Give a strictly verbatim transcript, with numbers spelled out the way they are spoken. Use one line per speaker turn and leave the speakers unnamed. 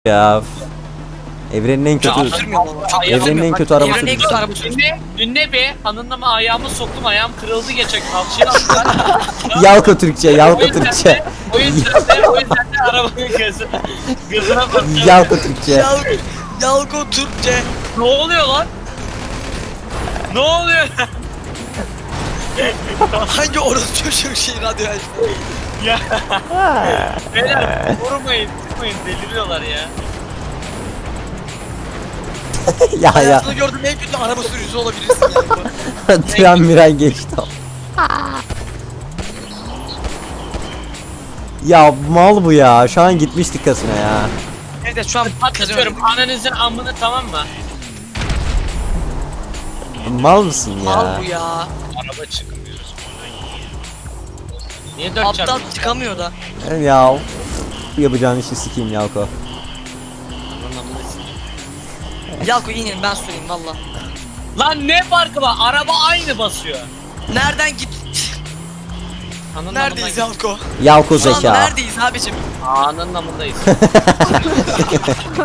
Ya. Evrenin en kötü evrenin en kötü arabası.
Evrenin en kötü arabası.
Dinle, dinle be. Hanımla mı ayağımı soktum, ayağım kırıldı geçen kalçaya attılar.
Yalko Türkçe,
O
Yalko
yüzden
Türkçe.
de, o yüzden de, o yüzden de arabanın gözü, gözüne bakıyorum.
Yalko Türkçe.
Yal Yalko Türkçe.
Ne oluyor lan? Ne oluyor?
Hangi orası çocuğun şey radyo açtı?
Ya. Beyler vurmayın, tutmayın, deliriyorlar ya.
Ya ya.
Hayatımda gördüğüm en kötü araba sürücüsü olabilirsin Yalko.
Tren miren geçti. Ya mal bu ya. Şu an gitmiştik kasına ya.
Evet şu an
Patlatıyorum ananızın amını, tamam mı?
Mal mısın ya?
Mal bu ya.
Araba çıkmıyor. Niye dört
Aptal
çarpı?
çıkamıyor da.
Ya. Yapacağın işi sikeyim Yalko.
Yalko inin ben süreyim valla.
Lan ne farkı var? Araba aynı basıyor.
Nereden git?
Ananın
Neredeyiz
amındayız.
Yalko?
Yalko
Şu an
zeka.
neredeyiz abicim?
Ananın amındayız.